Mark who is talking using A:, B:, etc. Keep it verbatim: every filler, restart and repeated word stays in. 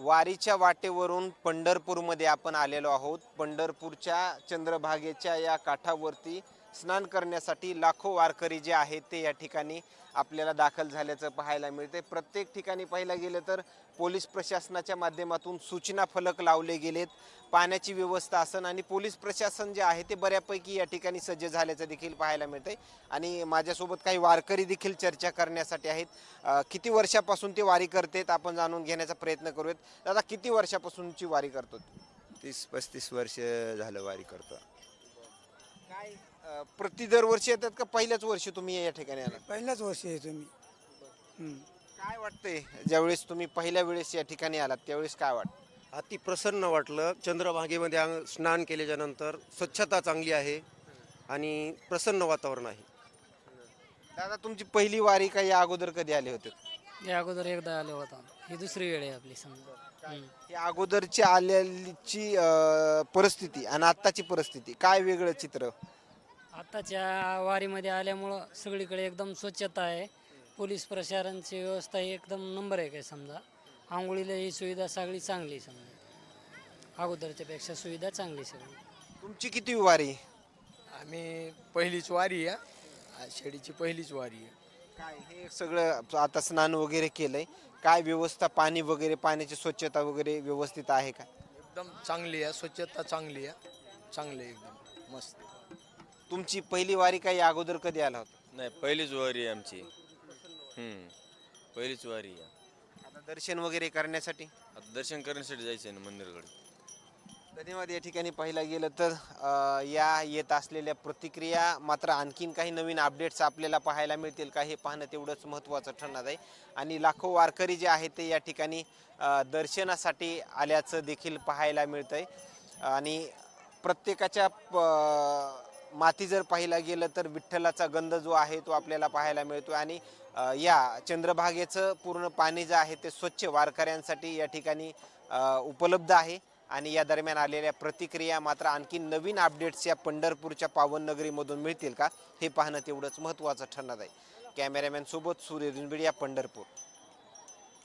A: वारीच्या वाटेवरून पंढरपूरमध्ये आपण आलेलो आहोत। पंढरपूरच्या चंद्रभागेच्या या काठावरती स्नान करण्यासाठी लाखो वारकरी जे आहेत ते या ठिकाणी आपल्याला दाखल झाल्याचं पाहायला मिळते। प्रत्येक ठिकाणी पाहायला गेलं तर पोलीस प्रशासनाच्या माध्यमातून सूचना फलक लावले गेलेत, पाण्याची व्यवस्था असन आणि पोलीस प्रशासन जे आहे ते बऱ्यापैकी या ठिकाणी सज्ज झाल्याचं देखील पाहायला मिळते। आणि माझ्यासोबत काही वारकरी देखील चर्चा करण्यासाठी आहेत। किती वर्षापासून ते वारी करतात आपण जाणून घेण्याचा प्रयत्न करूयात। दादा, किती वर्षापासूनची वारी करतो?
B: तीस पस्तीस वर्ष झालं वारी करतो।
A: काय अ, प्रति दरवर्षी येतात का पहिल्याच वर्षी तुम्ही या ठिकाणी आलात?
C: पहिल्याच वर्षी आहे तुम्ही. हं.
A: काय वाटतंय ज्यावेळेस तुम्ही पहिल्या वेळेस या ठिकाणी आलात त्यावेळेस काय वाटतं?
B: अति प्रसन्न वाटलं। चंद्रभागेमध्ये आंग स्नान केल्याच्या नंतर स्वच्छता चांगली आहे आणि प्रसन्न वातावरण आहे।
A: दादा, तुमची पहिली वारी का या अगोदर कधी आले होते?
D: या अगोदर एकदा आलो होता, ही दुसरी वेळ आहे आपली समजा. हम्म.
A: या अगोदरची आलेलीची अ, परिस्थिती आणि आत्ताची परिस्थिती काय वेगळं चित्र?
D: आताच्या वारीमध्ये आल्यामुळं सगळीकडे एकदम स्वच्छता आहे, पोलीस प्रशासनाची व्यवस्था ही एकदम नंबर एक आहे समजा. आंघोळीला ही सुविधा सगळी चांगली समजा, अगोदरच्या पेक्षा सुविधा चांगली सगळी.
A: तुमची किती वारी?
E: आम्ही पहिलीच वारी आहे, शेडीची पहिलीच वारी आहे.
A: काय हे सगळं आता स्नान वगैरे केलंय, काय व्यवस्था, पाणी वगैरे, पाण्याची स्वच्छता वगैरे व्यवस्थित आहे का?
E: एकदम चांगली आहे, स्वच्छता चांगली आहे, चांगली आहे एकदम मस्त.
A: तुमची पहिली वारी काय या अगोदर कधी आला होता?
F: नाही, पहिलीच वारी आहे आमची. हम्म पहिलीच वारी आहे.
A: आता दर्शन वगैरे करण्यासाठी
F: आता दर्शन करण्यासाठी जायचं आहे ना मंदिराकडे.
A: धन्यवाद। या ठिकाणी पाहिला गेलं तर अ, या येत असलेल्या प्रतिक्रिया, मात्र आणखीन काही नवीन अपडेट्स आपल्याला पाहायला मिळतील का हे पाहणं तेवढंच महत्त्वाचं ठरणार आहे। आणि लाखो वारकरी जे आहेत ते या ठिकाणी अ, दर्शनासाठी आल्याचं देखील पाहायला मिळतंय। आणि प्रत्येकाच्या प माथी जर पाहिला गेलं तर विठ्ठलाचा गंध जो आहे तो आपल्याला पाहायला मिळतो। आणि अ, या चंद्रभागेचं पूर्ण पाणी जे आहे ते स्वच्छ वारकऱ्यांसाठी या ठिकाणी अ, उपलब्ध आहे। आणि या दरम्यान आलेल्या प्रतिक्रिया, मात्र आणखी नवीन अपडेट्स या पंढरपूरच्या पावननगरीमधून मिळतील का हे पाहणं तेवढंच महत्त्वाचं ठरणार आहे। कॅमेरामॅन सोबत सूर्य दुनबिडिया, पंढरपूर।